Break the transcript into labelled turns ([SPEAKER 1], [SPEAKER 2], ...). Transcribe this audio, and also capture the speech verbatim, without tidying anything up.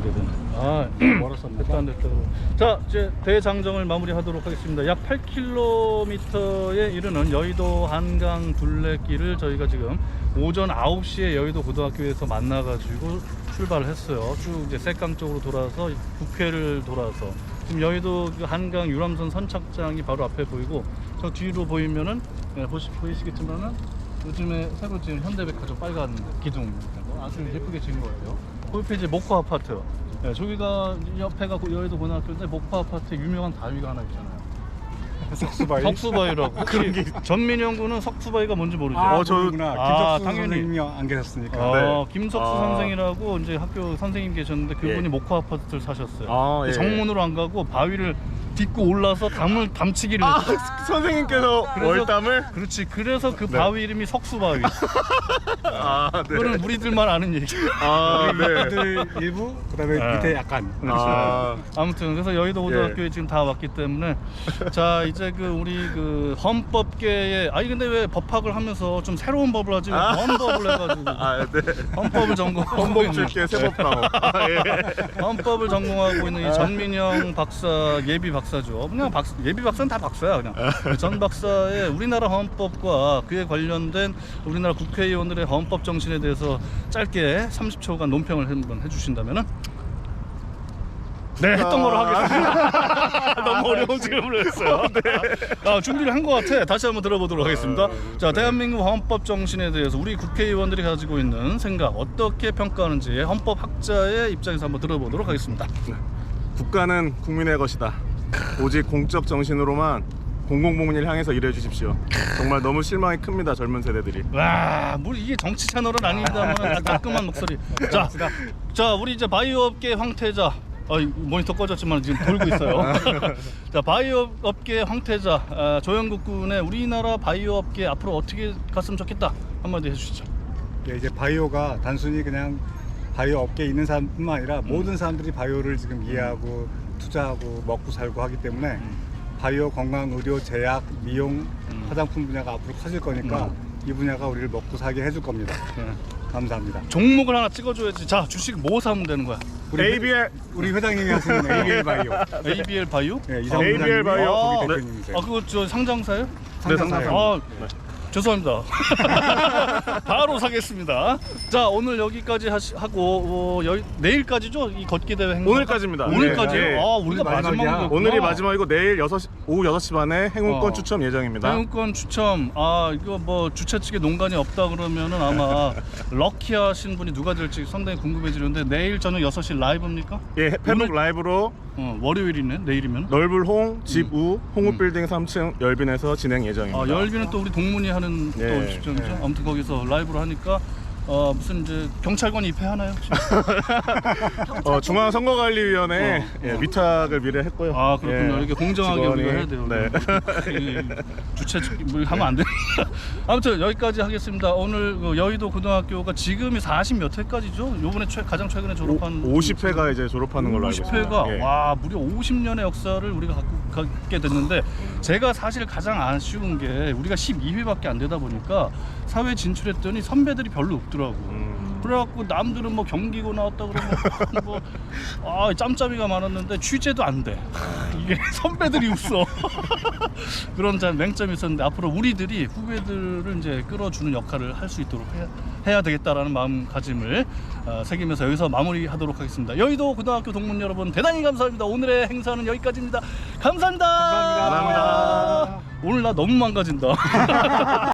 [SPEAKER 1] 되네. 아, 멀었었네. 됐다 안 됐다. 자, 이제 대장정을 마무리하도록 하겠습니다. 약 팔 킬로미터에 이르는 여의도 한강 둘레길을 저희가 지금 오전 아홉 시에 여의도 고등학교에서 만나가지고 출발을 했어요. 쭉 이제 색강 쪽으로 돌아서 국회를 돌아서 지금 여의도 그 한강 유람선 선착장이 바로 앞에 보이고, 저 뒤로 보이면은 네, 보시, 보이시겠지만은 요즘에 새로 지은 현대백화점 빨간 기둥 아주 예쁘게 지은 거예요. 거기 이제 목포 아파트. 네, 저기가 옆에가 여의도 고등학교인데 목포 아파트에 유명한 바위가 하나 있잖아요.
[SPEAKER 2] 석수바위?
[SPEAKER 1] 석수바위라고. 그런 게 전민영 군은 석수바위가 뭔지 모르죠?
[SPEAKER 2] 아, 어, 저구나.
[SPEAKER 1] 아,
[SPEAKER 2] 김석수
[SPEAKER 1] 당연히.
[SPEAKER 2] 선생님이 안 계셨으니까.
[SPEAKER 1] 아,
[SPEAKER 3] 네.
[SPEAKER 1] 김석수
[SPEAKER 3] 아.
[SPEAKER 1] 선생이라고 이제 학교 선생님 계셨는데 그분이
[SPEAKER 3] 예.
[SPEAKER 1] 목포 아파트를 사셨어요.
[SPEAKER 3] 아, 예.
[SPEAKER 1] 정문으로 안 가고 바위를 딛고 올라서 담을 담치기를
[SPEAKER 3] 아,
[SPEAKER 1] 했어요.
[SPEAKER 3] 선생님께서
[SPEAKER 1] 그래서-
[SPEAKER 3] 월담을?
[SPEAKER 1] 그렇지. 그래서 그
[SPEAKER 3] 네.
[SPEAKER 1] 바위 이름이 석수바위.
[SPEAKER 3] 아, 네.
[SPEAKER 1] 그거는 우리들만 아는 얘기.
[SPEAKER 3] 아, 네.
[SPEAKER 2] 들 일부, 그다음에
[SPEAKER 1] 아.
[SPEAKER 2] 밑에 약간.
[SPEAKER 3] 아,
[SPEAKER 1] 아무튼 그래서 여의도 고등학교에
[SPEAKER 3] 예.
[SPEAKER 1] 지금 다 왔기 때문에 자 이제 그 우리 그 헌법계에 아니 근데 왜 법학을 하면서 좀 새로운 법을 하지 왜
[SPEAKER 3] 아.
[SPEAKER 1] 헌법을 해가지고
[SPEAKER 3] 아, 네.
[SPEAKER 1] 헌법을 전공하고
[SPEAKER 3] 헌법
[SPEAKER 1] 있는
[SPEAKER 3] 줄게 세법다워. 아, 예.
[SPEAKER 1] 헌법을 전공하고 있는 이
[SPEAKER 3] 아.
[SPEAKER 1] 전민영 박사 예비 박사죠. 그냥 박 예비 박사는 다 박사야 그냥. 전 박사의 우리나라 헌법과 그에 관련된 우리나라 국회의원들의 헌법 정신에 대해서 짧게 삼십 초간 논평을 한번 해주신다면은. 네, 했던 거로 하겠습니다. 너무 어려운 질문을 했어요. 네. 아, 준비를 한 것 같아. 다시 한번 들어보도록 하겠습니다. 자, 대한민국 헌법 정신에 대해서 우리 국회의원들이 가지고 있는 생각 어떻게 평가하는지 헌법학자의 입장에서 한번 들어보도록 하겠습니다.
[SPEAKER 3] 국가는 국민의 것이다. 오직 공적 정신으로만 공공복리를 향해서 일해 주십시오. 정말 너무 실망이 큽니다, 젊은 세대들이.
[SPEAKER 1] 와, 뭐 이게 정치 채널은 아닙니다만 따끔한 목소리. 자, 자, 우리 이제 바이오업계 황태자. 어, 모니터 꺼졌지만 지금 돌고 있어요. 자, 바이오 업계 황태자 아, 조영국 군의 우리나라 바이오 업계 앞으로 어떻게 갔으면 좋겠다 한마디 해주시죠.
[SPEAKER 2] 예, 이제 바이오가 단순히 그냥 바이오 업계에 있는 사람뿐만 아니라
[SPEAKER 1] 음.
[SPEAKER 2] 모든 사람들이 바이오를 지금 이해하고 투자하고 먹고 살고 하기 때문에
[SPEAKER 1] 음.
[SPEAKER 2] 바이오 건강 의료 제약 미용
[SPEAKER 1] 음.
[SPEAKER 2] 화장품 분야가 앞으로 커질 거니까 이 분야가 우리를 먹고 살게 해줄 겁니다.
[SPEAKER 1] 네.
[SPEAKER 2] 감사합니다.
[SPEAKER 1] 종목을 하나 찍어줘야지. 자, 주식 뭐 사면 되는 거야?
[SPEAKER 2] 우리
[SPEAKER 3] 에이비엘
[SPEAKER 2] 우리 회장님이 하시는 에이비엘 바이오.
[SPEAKER 1] 에이비엘 바이오?
[SPEAKER 2] 네, 이상
[SPEAKER 3] 에이비엘 바이오.
[SPEAKER 2] 거기
[SPEAKER 3] 네.
[SPEAKER 2] 대표님이세요.
[SPEAKER 1] 아, 그거 저 상장사요?
[SPEAKER 3] 네,
[SPEAKER 2] 상장사요.
[SPEAKER 1] 아, 죄송합니다. 바로 사겠습니다. 자, 오늘 여기까지 하시, 하고 어, 여, 내일까지죠? 이 걷기 대회 행사.
[SPEAKER 3] 오늘까지입니다.
[SPEAKER 1] 오늘까지요?
[SPEAKER 3] 네, 네.
[SPEAKER 1] 아, 우리가
[SPEAKER 2] 오늘 마지막이야.
[SPEAKER 1] 마지막이구나.
[SPEAKER 3] 오늘이 마지막이고 내일 여섯 시, 오후 여섯 시 반에 행운권
[SPEAKER 1] 어.
[SPEAKER 3] 추첨 예정입니다.
[SPEAKER 1] 행운권 추첨. 아, 이거 뭐 주최 측에 농간이 없다 그러면은 아마 럭키하신 분이 누가 될지 상당히 궁금해지는데 내일 저녁 여섯 시 라이브입니까?
[SPEAKER 3] 예, 페북
[SPEAKER 1] 오늘-
[SPEAKER 3] 라이브로
[SPEAKER 1] 어, 월요일이네. 내일이면.
[SPEAKER 3] 넓을 홍, 집우, 홍우빌딩
[SPEAKER 1] 음.
[SPEAKER 3] 삼 층 열빈에서 진행 예정입니다.
[SPEAKER 1] 아, 열비는 또 우리 동문이 하는 또
[SPEAKER 3] 네.
[SPEAKER 1] 시점이죠.
[SPEAKER 2] 네.
[SPEAKER 1] 아무튼 거기서 라이브로 하니까 어, 무슨 이제 경찰관이 입회하나요? 혹시?
[SPEAKER 3] 어, 중앙선거관리위원회
[SPEAKER 1] 어,
[SPEAKER 3] 예,
[SPEAKER 1] 어.
[SPEAKER 3] 위탁을 미리 했고요.
[SPEAKER 1] 아, 그렇군요.
[SPEAKER 3] 예,
[SPEAKER 1] 이게 공정하게
[SPEAKER 3] 직원이-
[SPEAKER 1] 우리가 해야 돼요.
[SPEAKER 3] 네.
[SPEAKER 1] 이 주최 측 뭐 하면 안 돼. 아무튼 여기까지 하겠습니다. 오늘 그 여의도 고등학교가 지금이 사십 몇 회까지죠? 요번에 최, 가장 최근에 졸업한
[SPEAKER 3] 오십 회가 이제 졸업하는 걸로 알고
[SPEAKER 1] 오십
[SPEAKER 3] 있습니다.
[SPEAKER 1] 회가
[SPEAKER 3] 예.
[SPEAKER 1] 와 무려 오십 년의 역사를 우리가 갖고 갖게 됐는데 제가 사실 가장 아쉬운 게 우리가 십이 회밖에 안 되다 보니까 사회 진출했더니 선배들이 별로 없더라고.
[SPEAKER 3] 음.
[SPEAKER 1] 그래갖고 남들은 뭐 경기고 나왔다 그러면 뭐 아, 짬짬이가 많았는데 취재도 안 돼. 이게 선배들이 없어. 그런 참 맹점이 있었는데 앞으로 우리들이 후배들을 이제 끌어주는 역할을 할 수 있도록 해야, 해야 되겠다라는 마음가짐을 어, 새기면서 여기서 마무리하도록 하겠습니다. 여의도 고등학교 동문 여러분 대단히 감사합니다. 오늘의 행사는 여기까지입니다. 감사합니다.
[SPEAKER 2] 감사합니다.
[SPEAKER 3] 감사합니다.
[SPEAKER 1] 오늘 나 너무 망가진다.